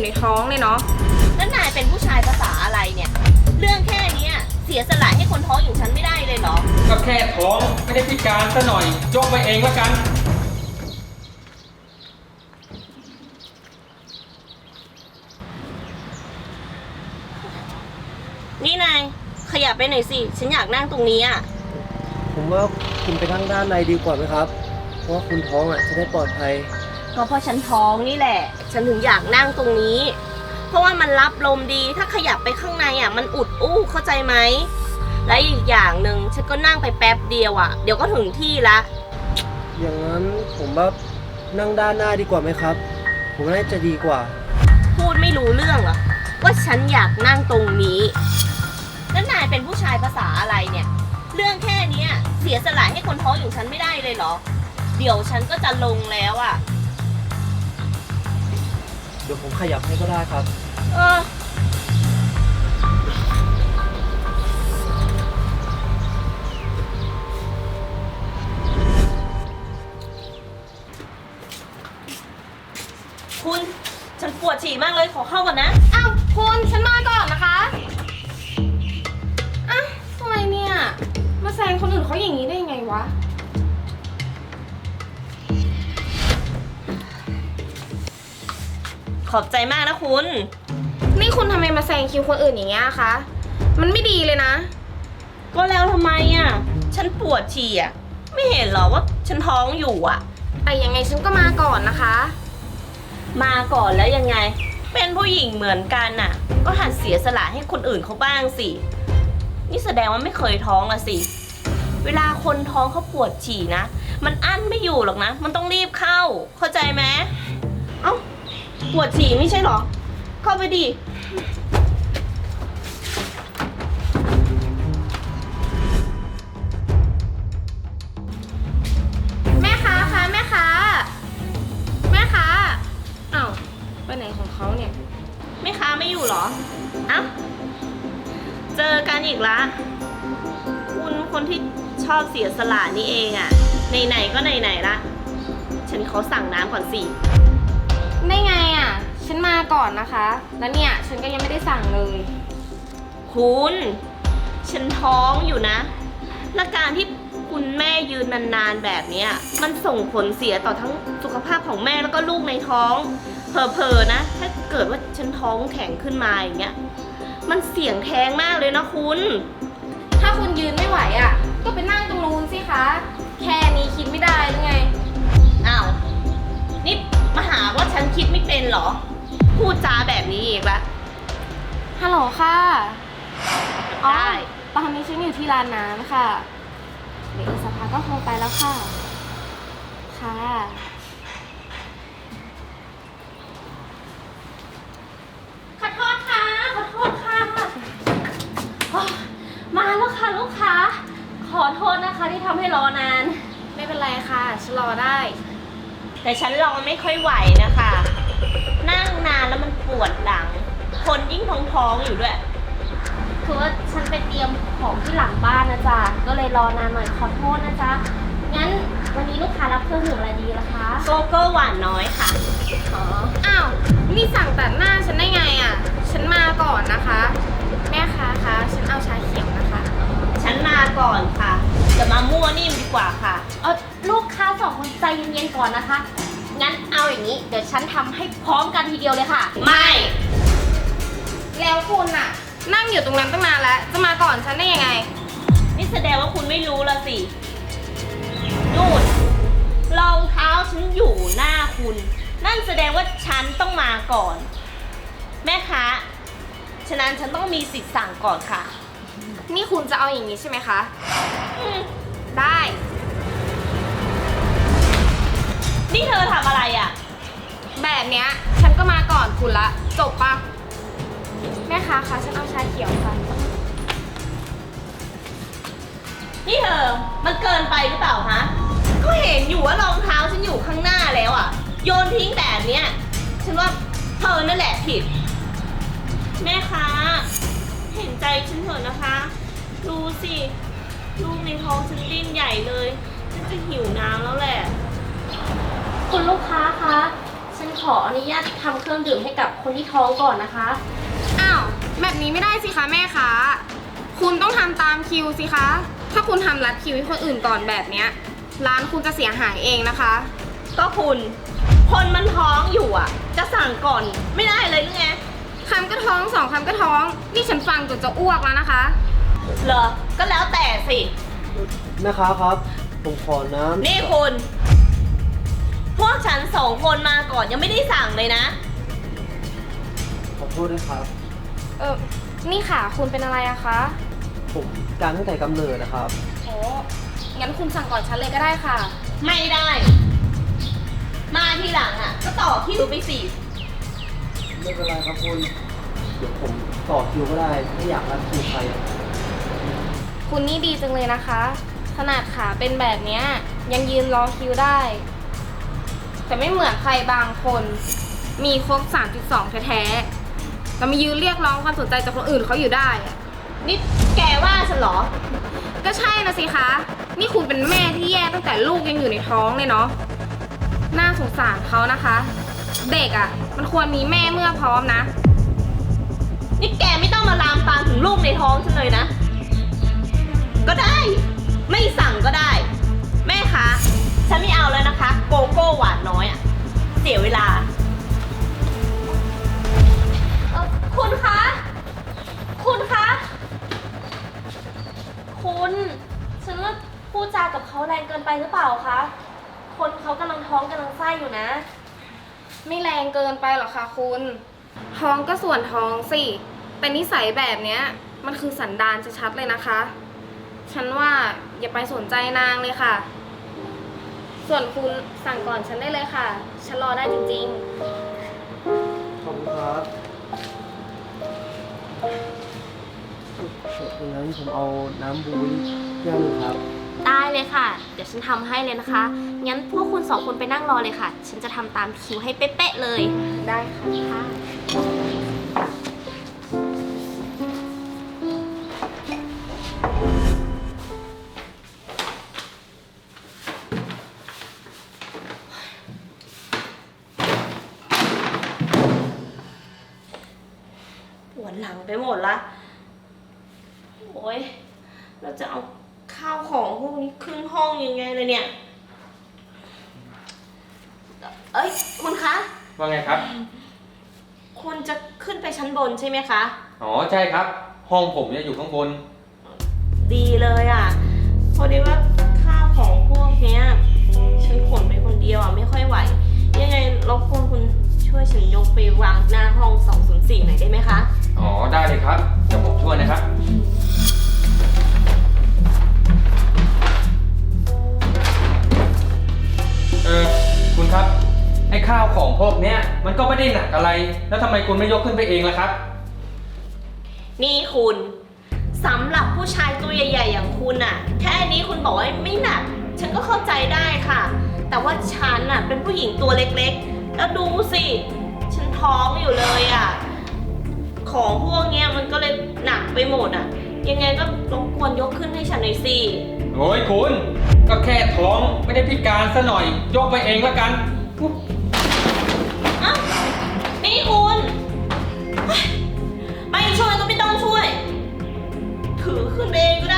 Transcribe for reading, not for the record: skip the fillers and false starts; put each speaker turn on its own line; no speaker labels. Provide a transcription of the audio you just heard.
ท้องเลยเนาะ
แล้วนายเป็นผู้ชายภาษาอะไรเนี่ยเรื่องแค่นี้เสียสละให้คนท้องอย่างฉันไม่ได้เลยเหรอ
ก็แค่ท้องไม่ได้พิการซะหน่อยยกไปเองแล้วกัน
นี่นายขยับไปหน่อยสิฉันอยากนั่งตรงนี้
ผมว่าคุณไปนั่งด้านในดีกว่าไหมครับเพราะว่าคุณท้องจะได้ปลอดภัย
ก็เพราะฉันท้องนี่แหละฉันถึงอยากนั่งตรงนี้เพราะว่ามันรับลมดีถ้าขยับไปข้างในมันอุดอู้เข้าใจไหมและอีกอย่างหนึ่งฉันก็นั่งไปแป๊บเดียวเดี๋ยวก็ถึงที่ละ
อย่างนั้นผมว่านั่งด้านหน้าดีกว่าไหมครับผมน่าจะดีกว่า
พูดไม่รู้เรื่องเหรอว่าฉันอยากนั่งตรงนี้แล้วนายเป็นผู้ชายภาษาอะไรเนี่ยเรื่องแค่นี้เสียสละให้คนท้องอย่างฉันไม่ได้เลยเหรอเดี๋ยวฉันก็จะลงแล้ว
เดี๋ยวผมขยับให้ก็ได้ครับ
คุณฉันปวดฉี่มากเลยขอเข้าก่อนนะ
อ้าวคุณฉันมาก่อนนะคะอ้าวทำไมเนี่ยมาแซงคนอื่นเขาอย่างนี้ได้ยังไงวะ
ขอบใจมากนะคุณ
นี่คุณทำไมมาแซงคิวคนอื่นอย่างเงี้ยคะมันไม่ดีเลยนะ
ก็แล้วทำไมฉันปวดฉี่ไม่เห็นหรอว่าฉันท้องอยู่
แต่ยังไงฉันก็มาก่อนนะคะ
มาก่อนแล้วยังไงเป็นผู้หญิงเหมือนกันก็หัดเสียสละให้คนอื่นเขาบ้างสินี่แสดงว่าไม่เคยท้องสิเวลาคนท้องเขาปวดฉี่นะมันอั้นไม่อยู่หรอกนะมันต้องรีบเข้าเข้าใจไหมเอ้าปวดฉี่ไม่ใช่หรอเข้าไปดิ
แม่ค้าคะแม่ค้าอ้าวไปไหนของเขาเนี่ย
แม่ค้าไม่อยู่หรอเอ้าเจอกันอีกละคุณคนที่ชอบเสียสละนี่เองไหนๆก็ไหนๆละฉันขอสั่งน้ำก่อนสิ
ได้ไงฉันมาก่อนนะคะแล้วเนี่ยฉันก็ยังไม่ได้สั่งเลย
คุณฉันท้องอยู่นะและการที่คุณแม่ยืนนานๆแบบนี้มันส่งผลเสียต่อทั้งสุขภาพของแม่แล้วก็ลูกในท้องเผลอๆนะถ้าเกิดว่าฉันท้องแข็งขึ้นมาอย่างเงี้ยมันเสี่ยงแท้งมากเลยนะคุณ
ถ้าคุณยืนไม่ไหวก็ไปนั่งตรงนู้นสิคะแค่นี้คิดไม่ได้หรือไง
อ้าวนี่มาหาว่าฉันคิดไม่เป็นเหรอพูดจาแบบนี้อีกละ
ฮัลโหลค่ะ
ได้
ตอนนี้ฉันอยู่ที่ร้านน้ำค่ะเดี๋ยวอีกสักพักก็คงไปแล้วค่ะค่ะขอโทษค่ะ
มาแล้วค่ะลูกค้าขอโทษนะคะที่ทำให้รอนาน
ไม่เป็นไรค่ะฉันรอได้
แต่ฉันรอไม่ค่อยไหวนะคะนั่งนานแล้วมันปวดหลังคนยิ่งท้องอยู่ด้วยคือว่าฉันไปเตรียมของที่หลังบ้านนะจ๊ะก็เลยรอนานหน่อยขอโทษนะจ๊ะงั้นวันนี้ลูกค้ารับเครื่องดื่มอะไรดีล่ะคะโกโก้หวานน้อยค่ะ
อ้าวนี่สั่งตัดหน้าฉันได้ไงฉันมาก่อนนะคะแม่ค้าคะฉันเอาชาเขียวนะคะ
ฉันมาก่อนค่ะจะมามั่วนิ่มดีกว่าค่ะ
ลูกค้า2 คนใจเย็นๆก่อนนะคะงั้นเอาอย่างนี้เดี๋ยวฉันทำให้พร้อมกันทีเดียวเลยค่ะ
ไม่
แล้วคุณนั่งอยู่ตรงนั้นตั้งนานแล้วจะมาก่อนฉันได้ยังไง
นี่แสดงว่าคุณไม่รู้ละสินู่นรองเท้าฉันอยู่หน้าคุณนั่นแสดงว่าฉันต้องมาก่อนแม่ค้าฉะนั้นฉันต้องมีสิทธิ์สั่งก่อนค่ะ
นี่คุณจะเอาอย่างนี้ใช่ไหมคะได้
นี่เธอทำอะไร
แบบเนี้ยฉันก็มาก่อนคุณละจบปะแม่ค้าคะฉันเอาชาเขียวค่ะ
นี่เธอมันเกินไปหรือเปล่าคะก็เห็นอยู่ว่ารองเท้าฉันอยู่ข้างหน้าแล้วโยนทิ้งแบบเนี้ยฉันว่าเธอนั่นแหละผิดแม่ค้าเห็นใจฉันเถอะนะคะดูสิลูกในท้องฉันดิ้นใหญ่เลยฉันจะหิวน้ำแล้วแหละ
คุณลูกค้าคะฉัน
ขออนุญาตทำเครื่องดื่มให้กับคนที่ท้องก่อนนะคะ
อ้าว แบบนี้ไม่ได้สิคะแม่ค้าคุณต้องทำตามคิวสิคะ ถ้าคุณทำรัดคิวให้คนอื่นก่อนแบบเนี้ยร้านคุณจะเสียหายเองนะคะ
ก็คุณ คนมันท้องอยู่อ่ะ จะสั่งก่อนไม่ได้เลยหรือไง
คำก็ท้องสองคำก็ท้อง นี่ฉันฟังจนจะอ้วกแล้วนะคะ
เหรอ ก็แล้วแต่สิ
แม่ค้าครับ ผมขอน้ำ
นี่คุณ พวกฉัน2 คนมาก่อนยังไม่ได้สั่งเลยนะ
ขอโทษด้วยครับ
นี่ค่ะคุณเป็นอะไรอะคะ
ผมการตั้งแต่กำเนิดนะครับ
โอ้งั้นคุณสั่งก่อนฉันเลยก็ได้ค่ะ
ไม่ได้ มาทีหลังอ่ะ ก็ต่อคิวไปสิ
ไม่เป็นไรครับคุณ เดี๋ยวผมต่อคิวก็ได้ ไม่อยากรับคิวใครอะ
คุณนี่ดีจังเลยนะคะ ขนาดขาเป็นแบบเนี้ยยังยืนรอคิวได้ แต่ไม่เหมือนใครบางคน มีครบ 3.2 แท้ๆแต่มายืนเรียกร้องความสนใจจากคนอื่นเขาอยู่ได้อะ
นี่แกว่าฉันเหรอ
ก็ใช่นะสิคะ นี่คุณเป็นแม่ที่แย่ตั้งแต่ลูกยังอยู่ในท้องเลยเนาะ น่าสงสารเขานะคะ เด็กอะ่ะ มันควรมีแม่เมื่อพร้อมนะ
นี่แกไม่ต้องมาลามปามถึงลูกในท้องฉันเลยนะ ก็ได้ ไม่สั่งก็ได้ แม่คะฉันไม่เอาแล้วนะคะ โกโก้หวานน้อยอะเสียเวลา คุณคะ คุณคะ คุณฉันว่าพูดจากับเขาแรงเกินไปหรือเปล่าคะ คนเขากำลังท้องกำลังไส้อยู่นะ
ไม่แรงเกินไปหรอกค่ะคุณ ท้องก็ส่วนท้องสิ แต่นิสัยแบบเนี้ยมันคือสันดานชัดๆเลยนะคะ ฉันว่าอย่าไปสนใจนางเลยค่ะ ส่วนคุณสั่งก่อนฉันได้เลยค่ะ ฉันรอได้จริงๆ
ขอบคุณครับงั้นผมเอาน้ำบูยแก้วหนึงครับ
ได้เลยค่ะ เดี๋ยวฉันทำให้เลยนะคะ งั้นพวกคุณ2 คนไปนั่งรอเลยค่ะ ฉันจะทำตามคิวให้เป๊ะๆเลย
ได้ค่ะ
ปวดหลังไปหมดละ โอ้ยเราจะเอาข้าวของพวกนี้ขึ้นห้องยังไงเลยเนี่ย เอ้ยคุณคะ
ว่าไงครับ
คุณจะขึ้นไปชั้นบนใช่ไหมคะ
อ๋อใช่ครับ ห้องผมเนี่ยอยู่ข้างบน
ดีเลยอ่ะ พอดีว่าข้าวของพวกเนี้ยฉันขนไปคนเดียวอ่ะไม่ค่อยไหว ยังไงรบกวนคุณช่วยฉันยกไปวางหน้าห้อง204หน่อยได้ไหมคะ
อ๋อได้เลยครับ เดี๋ยวผมช่วยนะครับ คุณครับ ไอ้ข้าวของพวกเนี้ยมันก็ไม่ได้หนักอะไร แล้วทำไมคุณไม่ยกขึ้นไปเองล่ะครับ
นี่คุณสำหรับผู้ชายตัวใหญ่ๆอย่างคุณน่ะแค่นี้คุณบอกว่าไม่หนัก ฉันก็เข้าใจได้ค่ะ แต่ว่าฉันน่ะเป็นผู้หญิงตัวเล็กๆ แล้วดูสิฉันท้องอยู่เลยอ่ะของพวกเนี้ยมันก็เลยหนักไปหมดอ่ะยังไงก็รบกวนยกขึ้นให้ฉันหน่อยสิ
โอ้ยคุณ ก็แค่ท้องไม่ได้พิการซะหน่อย ยกไปเองละกัน
เอ้านี่คุณเฮ้ยไม่ช่วยก็ไม่ต้องช่วย ถือขึ้นเองก็